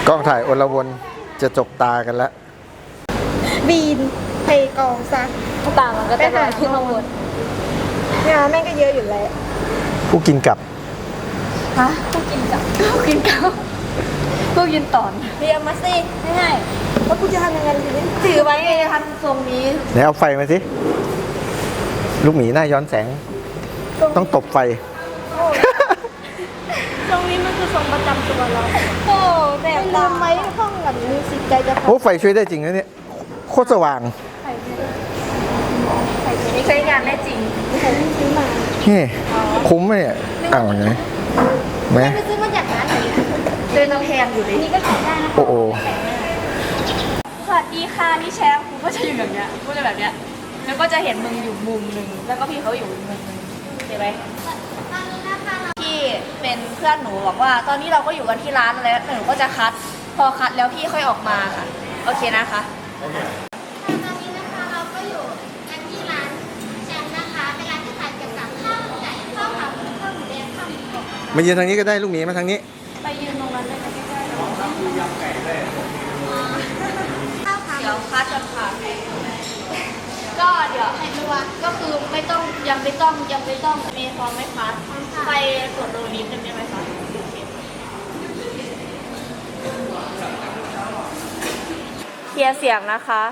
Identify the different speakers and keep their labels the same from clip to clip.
Speaker 1: กล้องถ่ายอลวนจะจกตากันแล้ว
Speaker 2: บีนเทกองซะ
Speaker 3: ตามันก็จะลอยขึ้นข้างบน
Speaker 2: เนี่ยแม่งก็เยอะอยู่แล้ว
Speaker 1: ผู้กินกลับ
Speaker 3: ฮะพวกกินกับพวกกินข้าวพวกกินตอน
Speaker 2: เรียมาสิ
Speaker 3: ง่าย
Speaker 2: ว่ากูจะทำยังไงดีเนี่ย
Speaker 3: ๆถือไว้ไงจะทำทรงนี้
Speaker 1: ไหนเอาไฟมาสิ ลูกหมีหน้าย้อนแสง ต้องตบไฟ
Speaker 2: ตรงนี้มันคือทรงประจำตัวเรา
Speaker 3: โอ้แบ
Speaker 2: แต่
Speaker 3: บ
Speaker 2: ลืมไหมห้องแบบมีสิทธิ์ใจจะ
Speaker 1: โอ้ไฟช่วยได้จริงนะเนี่ย โคตรสว่าง
Speaker 3: ใช้งานได้จริง
Speaker 2: ซื้อมา
Speaker 1: นี่คุ้มไหมเนี่ยอ้าวไงไหม
Speaker 2: ไปซื้อมาจากร้านไหน
Speaker 3: เดินแพงอยู่เลย
Speaker 2: นี่ก็ขายได้นะ
Speaker 1: โอ้โห
Speaker 3: สวัสดีค่ะนี่แชมป์กูก็จะอยู่แบบเนี้ยกูจะแบบเนี้ยแล้วก็จะเห็นมึงอยู่มุมหนึ่งแล้วก็พี่เขาอยู่อีกมุมหนึ่งเห็นไหมพี่เป็นเพื่อนหนูบอกว่า ตอนนี้เราก็อยู่กันที่ร้านแล้วหนูก็จะคัด พอคัดแล้วพี่ค่อยออกมาค่ะโอเคนะคะ
Speaker 4: ตอนนี้นะคะเราก็อยู่กันที่ร้านแชมป์นะคะเป็นร้านที่ขายเกี่ยวกับข้าวไก่ข้าวขาหมูข้าวหมูแดงข้าวหมูกรอบ
Speaker 1: มายืนทางนี้ก็ได้ลูกหมีมาทางนี้
Speaker 3: ไปยืนตรงนั้นได้ไหมใกล้ๆ
Speaker 4: ข้าวขา
Speaker 3: เดี๋ยวคัดกันค่ะก็เดี๋ยวให้ดูว่าก็คือไม่ต้องยังไม่ต้องมีพร้อมไหมคะไปกดโดนิดนึงได้ไหมคะเคลียร์เสียงนะคะ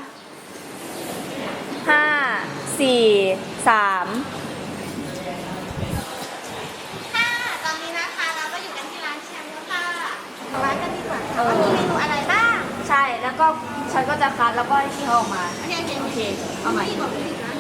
Speaker 3: 5 4 3
Speaker 4: ค่ะตอนนี้นะคะเราก็อยู่กันที่ร้านแชมป์แล้วค่ะร้านกันดีกว่าค่ะว่ามีเมนูอะไรบ้าง
Speaker 3: ใช่แล้วก็ฉันก็จะคัดแล้วก็ให้พี่เขาออกมา
Speaker 4: โอเคโอเค
Speaker 3: โอเคเอาใหม่
Speaker 4: พี่บอกเลยนะ